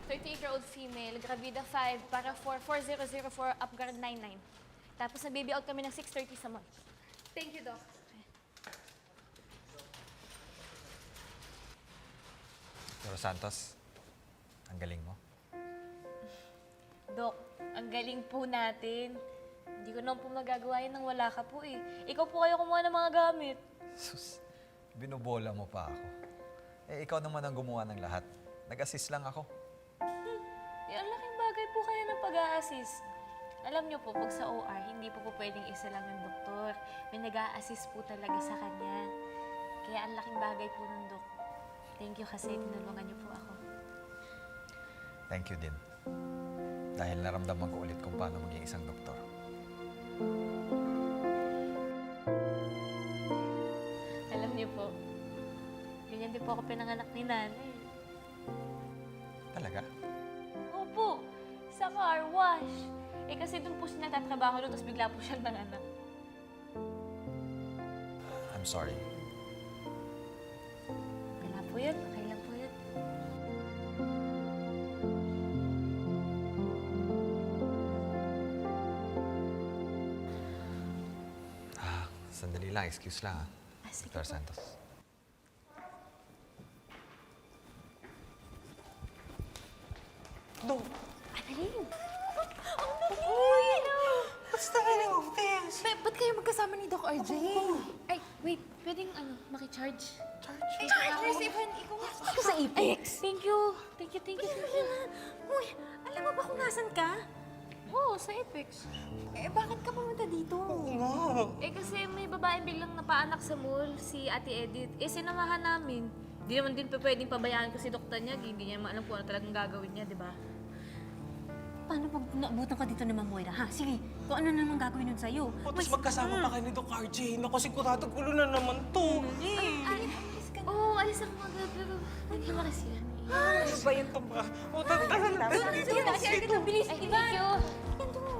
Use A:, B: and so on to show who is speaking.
A: 38-year-old female, Gravida 5, para 4004, Upguard 99. Tapos na-baby out kami ng 6:30 sa mall.
B: Thank you, Doc.
C: Pero Santos, ang galing mo.
A: Dok, ang galing po natin. Hindi ko naman po magagawa yan nang wala ka po eh. Ikaw po kayo kumuha ng mga gamit.
C: Sus, binubola mo pa ako. Eh, ikaw naman ang gumawa ng lahat. Nag-assist lang ako.
A: Eh, ang laking bagay po kaya ng pag-a-assist. Alam niyo po, pag sa OR, hindi po pwedeng isa lang yung doktor. May nag-a-assist po talaga sa kanya. Kaya ang laking bagay po ng Dok. Thank you kasi tinulungan niyo po ako.
C: Thank you din. Dahil naramdaman ko ulit kung paano maging isang doktor.
A: Alam niyo po, ganyan din po ako pinanganak ni nanay.
C: Talaga?
A: Opo, sa car wash. Eh kasi doon po siya nagtatrabaho doon, tapos bigla po siyang nanganak.
C: I'm sorry.
A: Wala po yun, okay lang po yun.
C: Sandali lang, excuse lang ha.
A: Sige
C: Dr.
A: po.
C: Santos.
D: Dok,
A: Annalyn!
B: Uy!
D: basta ka ng office.
B: Ba't kayo magkasama ni Doc RJ?
A: Ay, wait, pwedeng makicharge?
B: Nurse Ivan, ikaw nga ako sa Apex.
A: Thank you. Thank you, thank you.
B: Uy, alam mo ba kung nasan ka?
A: Oo, sa Apex.
B: Eh, bakit ka pumunta dito?
D: Oo nga.
A: Eh kasi may babaeng biglang napaanak sa mall, si Ate Edith. Eh sinamahan namin. Hindi naman din pwedeng pabayaan ko si Dr. Nyag. Hindi niya alam kung ano talagang gagawin niya, di ba?
B: Paano pag naabutan ka dito ni Ma'am Moira, ha? Sige, kung ano naman gagawin nun sa'yo.
D: O, tapos magkasama pa kayo ni Doc RJ. Naku, sigurado gulo na naman to.
B: Alis ka na.
A: Oo, alis ako mga pero hindi naman kasi yan.
D: Ano ba yan to ba? O, tara na.
B: Sige na, sige na, bilis.
A: Ay,
B: Ivan!
A: thank you.
B: Yan to.